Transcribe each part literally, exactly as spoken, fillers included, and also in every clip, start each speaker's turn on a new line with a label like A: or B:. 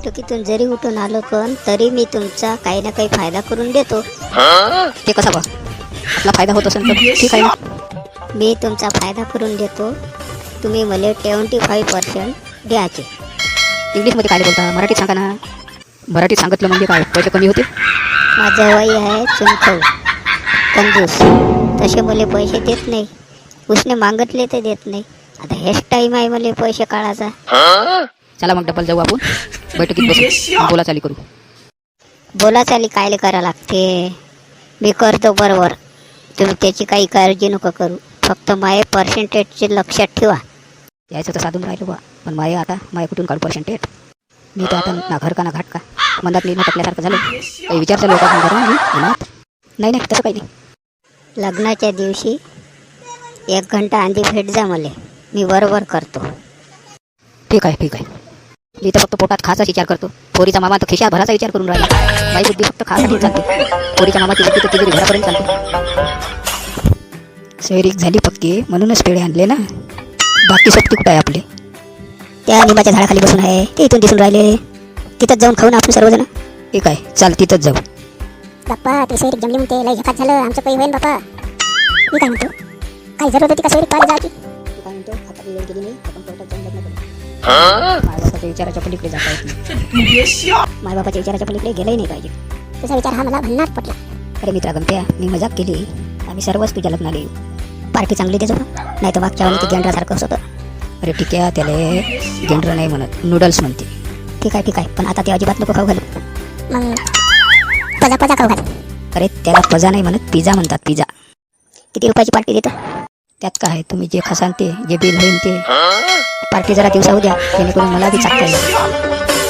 A: बैठकीतून जरी उठून आलो पण तरी मी तुमचा काही ना काही फायदा करून देतो.
B: ते कसा बा आपला फायदा होत असेल तर ठीक आहे ना.
A: मी तुमचा फायदा करून देतो. तुम्ही मला ट्वेंटी फाईव्ह पर्सेंट द्यायचे.
B: इंग्लिशमध्ये काय बोलता, मराठीत सांगा ना. मराठीत सांगितलं म्हणजे काय पैसे कमी होते.
A: माझं वय आहे चुनखव कंजूस, तसे मला पैसे देत नाही. उसने मागितले तर देत नाही. आता हेच टाईम आहे मला पैसे काढायचा.
B: चला मग डबल जाऊ आपण बैठकीत बसू, बोला चाली करू.
A: बोला चाली कायले करा लागते. मी करतो बरोबर, तुम्ही त्याची काही काळजी नका करू. फक्त माये पर्सेंटेजचे लक्षात ठेवा.
B: यायचं तर साधून राहिलो बा, पण माये आता माये कुठून काढू पर्सेंटेज. मी तर आता ना घर का ना घाट का मंदात निर्णय टाकल्यासारखं झालं. काही विचार चालू होता पण घरून मी मनात नाही नाही तसं काही नाही.
A: लग्नाच्या दिवशी एक घंटा आधी भेट जा मला, मी बरोबर करतो.
B: ठीक आहे ठीक आहे. मी तर फक्त पोटात खायचा विचार करतो. पोरीचा मामा तर खिशात भराचा विचार करून राहिला. बाई बुद्धी फक्त खासाठी चालते. पोरीच्या मामाची बुद्धी तर तिजोरी घरापर्यंत चालते. सैरिक झाली पक्की म्हणूनच पेढे आणले ना. बाकी सोबती कुठं आहे आपले.
A: त्या निंबाच्या झाडाखाली बसून आहे, ते इथून दिसून राहिले. तिथंच जाऊन खाऊ ना आपण सर्वजण.
B: ठीक आहे चाल तिथंच जाऊ.
C: बाप्पा ते सैरिक जमली म्हणते, लय झकात झालं आमचं काही होईन बाप्पा. मी काय म्हणतो, काय जरूरत होती का सैरिक पाहिजे जायची.
B: काय म्हणतो आता वेळ गेली नाही, आपण कोर्टात जाऊन लग्न करू. मायबापाच्या विचाराच्या पलीकडे जाता येत नाही. मायबापाच्या विचाराच्या पलीकडे गेलंही नाही पाहिजे.
C: तुझा विचार हा मला भन्नाट पटला.
B: अरे मित्रा गमत्या, मी मजाक केली. आम्ही सर्वच तुझ्या लग्नाला येऊ. पार्टी चांगली देतो नाही तर मागच्या वेळी ते गेंडरासारखं होतं. अरे ठीक आहे, त्याला गेंडर नाही म्हणत, नूडल्स म्हणते.
A: ठीक आहे ठीक आहे, पण आता ते अजिबात नको खाऊ घालू.
C: मग पजा पजा खाऊ घाल.
B: अरे त्याला पजा नाही म्हणत, पिझ्झा म्हणतात. पिझ्झा.
A: किती रुपयाची पार्टी देतो.
B: त्यात काय, तुम्ही जे खसान ते जे बिल होईल ते. पार्टी जरा दिवसा द्या, जेणेकरून मला बी चाकता येईल.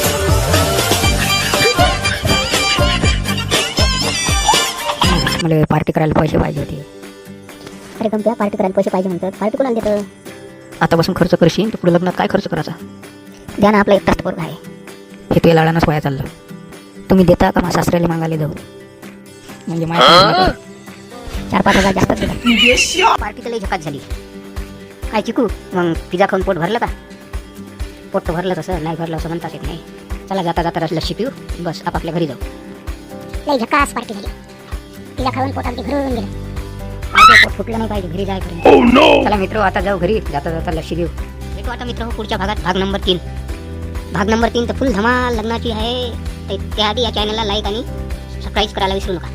B: मला पार्टी करायला पैसे पाहिजे होते.
A: अरे गमत्या, पार्टी करायला पैसे पाहिजे म्हणतात, पार्टी कोणाला देतं.
B: आता बसून खर्च करशील तर पुढे लग्नात काय खर्च करायचा.
A: द्या ना, आपला एक तास पोरगा आहे.
B: हे तुझ्या लाडानंच वाया चाललं. तुम्ही देता का मग सासऱ्याला मागायला जाऊ. म्हणजे माझ्या
A: चार पाच हजार जास्तच दिला. पार्टी तर लई झकात झाली. काय चिकू, मग पिझ्झा खाऊन पोट भरलं का. पोट तर भरलं तसं, नाही भरलं असं म्हणताच येत नाही. चला जाता जाता लस्सी पिऊ, बस आपापल्या घरी जाऊ.
C: लय झकास पार्टी झाली. तिला खाऊन पोट अगदी भरून गेलं.
A: माझं पोट फुटलं नाही पाहिजे घरी जायपर्यंत. चला मित्र आता जाऊ घरी, जाता जाता लस्सी देऊ. भेटू आता मित्र पुढच्या भागात, भाग नंबर तीन. भाग नंबर तीन तर फुल धमाल लग्नाची आहे. त्याआधी या चॅनलला लाईक आणि सबस्क्राईब करायला विसरू नका.